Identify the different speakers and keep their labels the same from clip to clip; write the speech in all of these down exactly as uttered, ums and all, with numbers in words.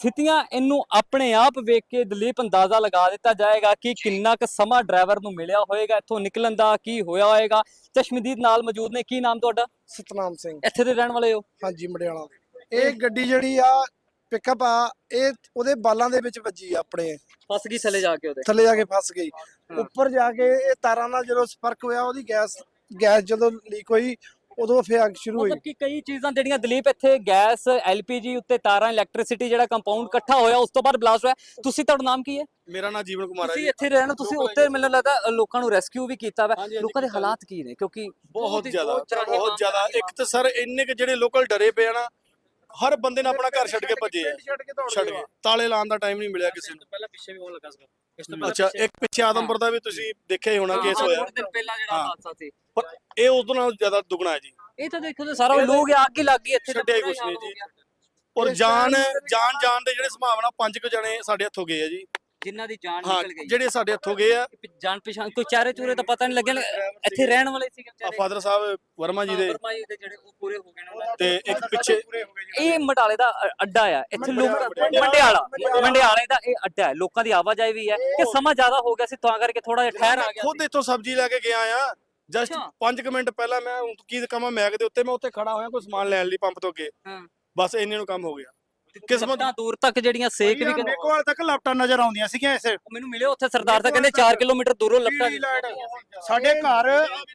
Speaker 1: ਸਥਿਤੀਆਂ ਇਹਨੂੰ ਆਪਣੇ ਆਪ ਵੇਖ ਕੇ ਦਲੀਪ ਅੰਦਾਜ਼ਾ ਲਗਾ ਦਿੱਤਾ ਜਾਏਗਾ ਕਿ ਕਿੰਨਾ ਕੁ ਸਮਾਂ ਡਰਾਈਵਰ ਨੂੰ ਮਿਲਿਆ ਹੋਏਗਾ, ਇੱਥੋਂ ਨਿਕਲਣ ਦਾ ਕੀ ਹੋਇਆ ਹੋਏਗਾ। ਚਸ਼ਮਦੀਦ ਨਾਲ ਮੌਜੂਦ ਨੇ। ਕੀ ਨਾਮ ਤੁਹਾਡਾ?
Speaker 2: ਸਤਨਾਮ ਸਿੰਘ।
Speaker 1: ਇੱਥੇ ਦੇ ਰਹਿਣ ਵਾਲੇ ਹੋ?
Speaker 2: ਹਾਂਜੀ, ਮੜਿਆਲਾ। ਇਹ ਗੱਡੀ ਜਿਹੜੀ ਆ ਪਿਕਅਪ ਆ, ਇਹ ਉਹਦੇ ਬਾਲਾਂ ਦੇ ਵਿੱਚ ਵੱਜੀ ਆ, ਆਪਣੇ
Speaker 1: ਫਸ ਗਈ ਥੱਲੇ ਜਾ ਕੇ, ਉਹਦੇ
Speaker 2: ਥੱਲੇ ਜਾ ਕੇ ਫਸ ਗਈ। ਉੱਪਰ ਜਾ ਕੇ ਇਹ ਤਾਰਾਂ ਨਾਲ ਜਦੋਂ ਸੰਪਰਕ ਹੋਇਆ, ਉਹਦੀ ਗੈਸ ਗੈਸ ਜਦੋਂ ਲੀਕ ਹੋਈ ਉਦੋਂ ਫਿਰ ਅੱਗ ਸ਼ੁਰੂ ਹੋਈ।
Speaker 1: ਮਤਲਬ ਕਿ ਕਈ ਚੀਜ਼ਾਂ ਜਿਹੜੀਆਂ ਦਲੀਪ ਇੱਥੇ ਗੈਸ, ਐਲਪੀਜੀ ਉੱਤੇ ਤਾਰਾਂ, ਇਲੈਕਟ੍ਰਿਸਿਟੀ ਜਿਹੜਾ ਕੰਪਾਊਂਡ ਇਕੱਠਾ ਹੋਇਆ, ਉਸ ਤੋਂ ਬਾਅਦ ਬਲਾਸਟ ਹੋਇਆ। ਤੁਸੀਂ, ਤੁਹਾਡਾ ਨਾਮ ਕੀ ਹੈ?
Speaker 3: ਮੇਰਾ ਨਾਮ ਜੀਵਨ ਕੁਮਾਰ ਹੈ
Speaker 1: ਤੁਸੀਂ
Speaker 3: ਜੀ।
Speaker 1: ਇੱਥੇ ਰਹਿਣਾ, ਤੁਸੀਂ ਉੱਤੇ ਮੈਨੂੰ ਲੱਗਦਾ ਲੋਕਾਂ ਨੂੰ ਰੈਸਕਿਊ ਵੀ ਕੀਤਾ ਵਾ। ਲੋਕਾਂ ਦੇ ਹਾਲਾਤ ਕੀ ਨੇ? ਕਿਉਂਕਿ
Speaker 3: ਬਹੁਤ ਜ਼ਿਆਦਾ ਬਹੁਤ ਜ਼ਿਆਦਾ ਇੱਕ ਤਾਂ ਸਰ ਇੰਨੇ ਕਿ ਜਿਹੜੇ ਲੋਕਲ ਡਰੇ ਪਏ ਆ ਨਾ, ਹਰ ਬੰਦੇ ਨੇ ਆਪਣਾ ਘਰ ਛੱਡ ਕੇ ਭੱਜੇ ਆ, ਛੱਡ ਕੇ ਤਾਲੇ ਲਾਉਣ ਦਾ ਟਾਈਮ ਨਹੀਂ ਮਿਲਿਆ ਕਿਸੇ ਨੂੰ।
Speaker 1: ਪਹਿਲਾਂ ਪਿੱਛੇ ਵੀ ਹੋਣ ਲੱਗਾ ਸੀ।
Speaker 3: ਅੱਛਾ, ਇੱਕ ਪਿੱਛੇ ਆਦਮਪੁਰ ਦਾ ਵੀ ਤੁਸੀਂ ਦੇਖਿਆ ਹੀ ਹੋਣਾ ਕੇਸ ਹੋਇਆ,
Speaker 1: ਥੋੜੇ ਦਿਨ ਪਹਿਲਾਂ ਜਿਹੜਾ ਹਾਦਸਾ ਸੀ,
Speaker 3: ਪਰ ਇਹ ਉਦੋਂ ਨਾਲ ਜ਼ਿਆਦਾ ਦੁੱਗਣਾ ਹੈ ਜੀ।
Speaker 1: ਇਹ ਤਾਂ ਦੇਖੋ ਤੇ ਸਾਰਾ ਲੋਕ ਅੱਗ ਹੀ ਲੱਗ ਗਈ ਇੱਥੇ,
Speaker 3: ਛੱਡਿਆ ਹੀ ਕੁਛ ਨਹੀਂ ਜੀ। ਔਰ ਜਾਨ ਜਾਨ ਜਾਨ ਦੇ ਜਿਹੜੇ ਸੰਭਾਵਨਾ ਪੰਜ ਕੁ ਜਣੇ ਸਾਡੇ ਹੱਥੋਂ ਗਏ ਆ ਜੀ,
Speaker 1: ਜਿਨ੍ਹਾਂ ਦੀ ਜਾਨ
Speaker 3: ਹਾਂ,
Speaker 1: ਨਿਕਲ ਗਈ।
Speaker 3: ਜਿਹੜੇ ਸਾਡੇ ਹੱਥੋਂ ਗਏ ਆ।
Speaker 1: ਜਾਨ ਪਛਾਣ ਕੋਈ ਚਾਰੇ ਚੂਰੇ ਤਾਂ ਪਤਾ ਨਹੀਂ ਲੱਗਿਆ, ਇੱਥੇ ਰਹਿਣ ਵਾਲੇ ਸੀਗੇ
Speaker 3: ਆ
Speaker 1: ਵਿਚਾਰੇ।
Speaker 3: ਫਾਦਰ ਸਾਹਿਬ ਵਰਮਾ ਜੀ ਦੇ,
Speaker 1: ਵਰਮਾ ਜੀ ਦੇ ਜਿਹੜੇ ਉਹ ਪੂਰੇ ਹੋ ਗਏ ਨੇ ਉਹਨਾਂ ਦੇ।
Speaker 3: ਤੇ ਇੱਕ ਪਿੱਛੇ
Speaker 1: ਇਹ ਮਟਾਲੇ ਦਾ ਅ- ਅੱਡਾ ਆ, ਇੱਥੇ ਲੋਕ ਮੰਡਿਆਲਾ ਮੰਡਿਆਲੇ ਦਾ ਇਹ ਅੱਡਾ ਹੈ, ਲੋਕਾਂ ਦੀ ਆਵਾਜਾਈ ਵੀ ਹੈ। ਕਿ ਸਮਾਂ ਜ਼ਿਆਦਾ ਹੋ ਗਿਆ ਸੀ ਤਾਂ ਕਰਕੇ ਥੋੜਾ ਜਿਹਾ ਠਹਿਰ ਆ ਗਿਆ
Speaker 3: ਖੁਦ ਇੱਥੋਂ ਸਬਜ਼ੀ ਲੈ ਕੇ ਗਿਆ ਆ, ਜਸਟ
Speaker 1: ਅੱਛਾ।
Speaker 3: ਪੰਜ ਕੁ ਮਿੰਟ ਪਹਿਲਾਂ ਮੈਂ ਹੁਣ ਕੀ ਕਮਾਂ ਮੈਗ ਦੇ ਉੱਤੇ, ਮੈਂ ਉੱਥੇ ਖੜਾ ਹੋਇਆ ਕੋਈ ਸਮਾਨ ਲੈਣ ਲਈ ਪੰਪ ਤੋਂ ਅੱਗੇ,
Speaker 1: ਹਾਂ।
Speaker 3: ਬਸ ਇੰਨੇ ਨੂੰ ਕੰਮ ਹੋ ਗਿਆ। ਕਿਸਮਤ
Speaker 1: ਕਿਸਮਤਾਂ ਦੂਰ ਤੱਕ ਜਿਹੜੀਆਂ ਸੇਕ ਵੀ ਕਿ-
Speaker 4: ਮੇਕੋਵਾਲ ਤੱਕ ਲਾਪਟਾਂ ਨਜ਼ਰ ਆਉਂਦੀਆਂ ਸੀਗੀਆਂ ਇਸੇ
Speaker 1: ਮੈਨੂੰ ਮਿਲੇ ਉੱਥੇ ਸਰਦਾਰ ਤਾਂ ਕਹਿੰਦੇ ਚਾਰ ਕਿਲੋਮੀਟਰ ਦੂਰੋਂ ਲੱਪਟਾ
Speaker 4: ਸਾਡੇ ਘਰ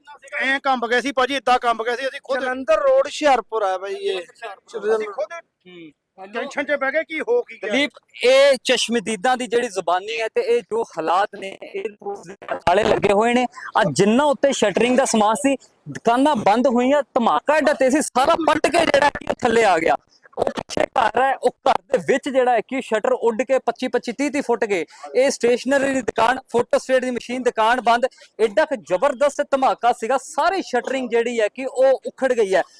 Speaker 4: ਐ ਕੰਬ ਗਏ ਸੀ ਭਾਜੀ, ਇਦਾਂ ਕੰਬ ਗਏ ਸੀ। ਅਸੀਂ ਖੁਦ
Speaker 2: ਜਲੰਧਰ ਰੋਡ ਹੁਸ਼ਿਆਰਪੁਰ ਆ ਬਾਈ ਇਹ।
Speaker 4: ਅਸੀਂ ਖੁਦ ਟੈਨਸ਼ਨ 'ਚ ਬਹਿ ਗਏ ਕੀ ਹੋ ਕੀ ਗਿਆ।
Speaker 1: ਦਲੀਪ, ਇਹ ਚਸ਼ਮਦੀਦਾਂ ਦੀ ਜਿਹੜੀ ਜ਼ੁਬਾਨੀ ਹੈ ਤੇ ਇਹ ਜੋ ਹਾਲਾਤ ਨੇ, 에ਅਰਪੋਰਟਸ ਦੇ ਤਾਲੇ ਲੱਗੇ ਹੋਏ ਨੇ। ਆ ਜਿੰਨਾ ਉੱਤੇ ਸ਼ਟਰਿੰਗ ਦਾ ਸਮਾਨ ਸੀ, ਦੁਕਾਨਾਂ ਬੰਦ ਹੋਈਆਂ, ਧਮਾਕਾ ਏਡਾ ਤੇ ਸੀ, ਸਾਰਾ ਪੱਟ ਕੇ ਜਿਹੜਾ ਕਿ ਥੱਲੇ ਆ ਗਿਆ। ਉਹ ਪਿੱਛੇ ਘਰ ਹੈ, ਉਹ ਘਰ ਦੇ ਵਿੱਚ ਜਿਹੜਾ ਹੈ ਕਿ ਸ਼ਟਰ ਉੱਡ ਕੇ ਪੱਚੀ ਪੱਚੀ ਤੀਹ ਤੀਹ ਫੁੱਟ ਗਏ। ਇਹ ਸਟੇਸ਼ਨਰੀ ਦੀ ਦੁਕਾਨ, ਫੋਟੋ ਸਟੇਟ ਦੀ ਮਸ਼ੀਨ ਦੁਕਾਨ ਬੰਦ। ਐਡਾ ਕਿ ਜ਼ਬਰਦਸਤ ਧਮਾਕਾ ਸੀਗਾ, ਸਾਰੀ ਸ਼ਟਰਿੰਗ ਜਿਹੜੀ ਹੈ ਕਿ ਉਹ ਉਖੜ ਗਈ ਹੈ।